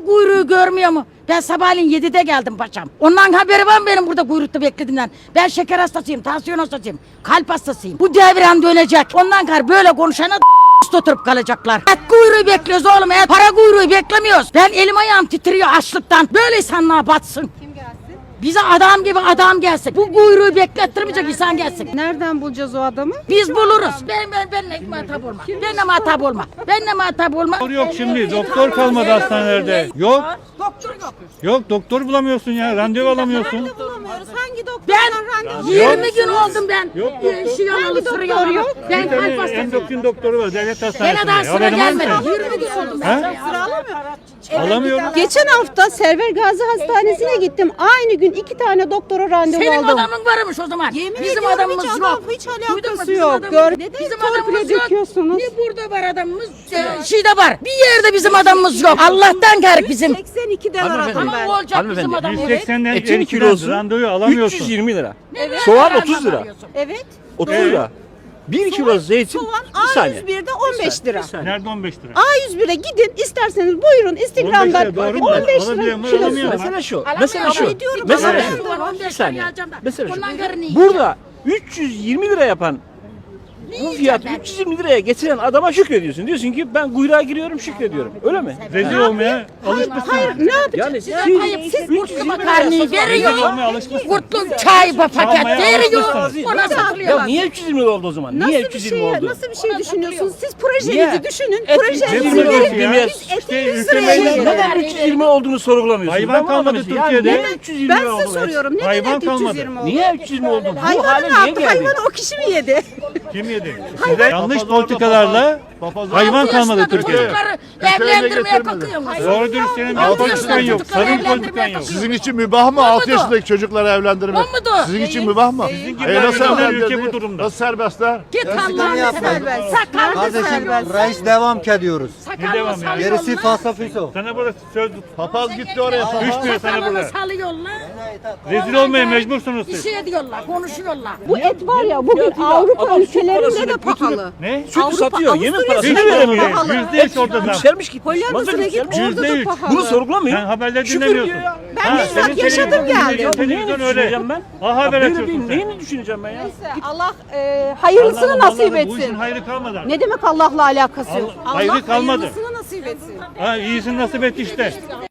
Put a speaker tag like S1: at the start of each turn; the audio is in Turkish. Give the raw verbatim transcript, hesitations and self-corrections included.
S1: kuyruğu görmüyor mu? Ben sabahleyin yedide geldim paşam. Ondan haberi var mı benim burada kuyrukta beklediğimden? Ben şeker hastasıyım, tansiyon hastasıyım, kalp hastasıyım. Bu devran dönecek. Ondan kar böyle konuşana oturup kalacaklar. Et kuyruğu bekliyoruz oğlum, et para kuyruğu beklemiyoruz. Ben elim ayağım titriyor açlıktan. Böyle insanlığa batsın.
S2: Kim gelsin?
S1: Bize adam gibi adam gelsin. Bu kuyruğu beklettirmeyecek insan gelsin.
S2: Nereden bulacağız o adamı?
S1: Biz buluruz. Ben ben benle muhatap olma. Benle muhatap olma. Benle muhatap olma.
S3: Doktor yok şimdi. Doktor kalmadı hastanelerde. Yok.
S1: Doktor yok.
S3: Yok doktor bulamıyorsun ya. Randevu alamıyorsun.
S2: Nerede bulamıyoruz? Hangi doktordan
S1: Ben
S2: randevu?
S1: yirmi gün oldum ben.
S3: Yok doktor.
S1: Şey alalı, sıra alalı. Ben
S3: Bir
S1: kalp
S3: tane
S1: hastasıyım.
S3: endokrin doktoru var devlet
S1: Bana
S3: hastanesinde.
S1: daha sıra
S3: Haberin var mı
S1: gelmedi.
S3: senin?
S1: yirmi gün oldum ben.
S3: Ha?
S2: Sıra alamıyor.
S3: Alamıyorum.
S2: Geçen hafta Server Gazi Hastanesi'ne gittim. Aynı gün iki tane doktora randevu
S1: Senin
S2: aldım.
S1: adamın varmış o zaman.
S2: Yemin
S1: Bizim
S2: ediyorum
S1: adamımız
S2: hiç
S1: yok.
S2: adam- hiç
S1: Duydun mu?
S2: alakası
S1: Bizim
S2: yok.
S1: adamımız-
S2: Gör- Neden
S1: Bizim
S2: torpile
S1: adamımız yok.
S2: döküyorsunuz?
S1: Ne burada var adamımız? Ee, şeyde var. Bir yerde bizim adamımız yok. Allah'tan garip bizim.
S2: seksen ikiden aradım
S1: Ama
S2: ben.
S1: olacak bizim
S4: Hanımefendi,
S1: adamımız.
S3: yüz seksenden
S4: Etin
S3: elli
S4: kilosu
S3: randevu alamıyorsun.
S4: üç yüz yirmi lira.
S1: Evet.
S4: Soğan
S1: Evet.
S4: otuz lira.
S2: Evet.
S4: otuz lira. bir kilo zeytin.
S2: Soğan
S4: Bir
S2: A
S4: saniye.
S2: yüz birde on beş lira.
S4: Bir saniye.
S3: Nerede on beş lira?
S2: A yüz bire gidin isterseniz buyurun Instagram'dan
S3: on beş lira doğru mu?
S2: on beş lira
S3: Alabiliyorum,
S2: kilosu.
S3: alamıyorum.
S4: Mesele şu.
S1: Alamıyorum.
S4: Mesele şu.
S1: Ediyorum.
S4: Mesele
S1: Evet.
S4: şu.
S1: on beş
S4: Bir saniye.
S1: lira alacağım da.
S4: Mesele şu.
S1: Ondan garını yiyeceğim.
S4: Burada üç yüz yirmi lira yapan bu
S1: yiyeceğim
S4: fiyatı
S1: ben?
S4: üç yüz yirmi liraya getiren adama şükrediyorsun. Diyorsun ki ben kuyruğa giriyorum şükrediyorum. Öyle mi?
S3: Rezil olmaya alışmışsın.
S2: Hayır ne yapacağız?
S4: Yani siz
S1: Hayır, siz
S4: üç yüz
S1: kurtlu
S4: yirmi liraya
S1: makarnayı
S4: satın
S3: Rezil
S1: veriyor.
S3: olmaya alışmışsın.
S1: Kurtlu çay paket
S3: Çalmaya
S1: veriyor.
S3: alışmışsın.
S1: Ona
S4: Ya
S1: satılıyor.
S4: niye üç yüz yirmi lira oldu o zaman?
S2: Nasıl
S4: Niye
S2: bir
S4: üç yüz
S2: şey,
S4: yirmi oldu?
S2: nasıl bir şey düşünüyorsunuz? Siz projenizi
S4: Niye?
S2: düşünün.
S4: Et
S2: Projenizi
S4: yüz yirmi lira
S2: verin.
S4: ya.
S2: Biz eti
S3: İşte
S2: yüz
S3: ülke
S2: liraya
S3: meydan-
S2: yiyelim.
S4: Neden üç yüz yirmi olduğunu sorgulamıyorsunuz?
S3: Hayvan
S4: Ben bunu
S3: kalmadı
S4: anlamadım. Ya
S3: Türkiye'de.
S4: Neden üç yüz yirmi
S2: Ben
S4: oldu?
S2: size soruyorum. Neden
S3: Hayvan
S2: et üç yüz
S3: kalmadı.
S2: yirmi oldu?
S4: Niye üç yüz yirmi oldu? Bu
S2: Hayvanı
S4: hale
S2: ne
S4: niye
S2: yaptı?
S4: geldi?
S2: Hayvanı o kişi mi yedi?
S3: Kim yedi? Size yanlış politikalarla hayvan
S1: Altı
S3: kalmadı
S1: yaşındaki
S3: Türkiye'de.
S1: çocukları evlendirmeye kalkıyorsunuz.
S3: Doğru dürüst senin bir
S1: Altı
S3: politikan
S1: yaşındaki
S3: yok.
S1: çocukları
S3: Sarın
S1: evlendirmeye
S3: politikan yok.
S1: kalkıyorsunuz.
S5: Sizin için mübah mı
S1: O
S5: altı
S1: mudur?
S5: yaşındaki çocukları evlendirmek?
S1: O mudur?
S5: Sizin için mübah mı?
S3: Sizin gibi
S5: E nasıl
S3: insanlar
S5: evlendirdi?
S3: ülke bu durumda.
S5: Nasıl serbestler?
S1: Git Allah'ını
S2: serbest.
S1: seversen. Sakallı
S2: Kardeşim,
S1: serbest.
S6: Reis devam ki ediyoruz.
S3: Ne devam
S1: Sakallı
S3: ya?
S6: Gerisi
S1: salıyorlar.
S6: falsafiso.
S3: Sana burada söz
S5: Papaz gitti oraya.
S3: düşmüyor sana
S1: Sakalını
S3: burada.
S1: salıyorlar.
S3: Rezil olmaya mecbursunuz
S1: Bir
S3: siz.
S1: şey diyorlar, konuşuyorlar.
S2: Bu et var ya bugün
S4: Fiyatıyla
S2: Avrupa
S4: adam süt
S2: ülkelerinde
S4: parasını
S2: de
S4: götürüp-
S2: pahalı.
S3: Ne?
S4: Sütü
S2: Avrupa,
S4: satıyor. Yemin
S2: Avusturya
S4: parasını
S3: sütü
S4: veremiyor.
S2: pahalı.
S3: Yüzde üç orada zam.
S4: Yükselmiş gitmiş.
S2: Hollanda'sına
S4: Mazot
S2: gitmiş
S4: yükselmiş.
S2: orada
S3: Yüzde
S2: da
S3: üç.
S2: pahalı.
S4: Bunu sorgulamıyor.
S3: Sen haberleri
S4: Şükür
S3: dinlemiyorsun.
S4: diyor ya.
S2: Ben
S3: Ha,
S2: bizzat
S3: senin
S2: yaşadım
S3: televizyon
S2: geldim.
S3: dinleyeceksin,
S4: Neyini
S3: televizyon öyle.
S4: düşüneceğim ben?
S3: Ha haber
S4: Böyle
S3: açıyorsun
S4: bir
S3: sen.
S4: neyini düşüneceğim ben ya?
S2: Allah e, hayırlısını
S3: Allah'ım,
S2: nasip
S3: Allah'ım, Bu işin
S2: etsin.
S3: hayrı kalmadı. artık.
S2: Ne demek Allah'la alakası yok?
S3: Allah- hayrı
S2: Allah
S3: kalmadı.
S2: hayırlısını nasip etsin.
S3: Ha iyisini nasip etti işte.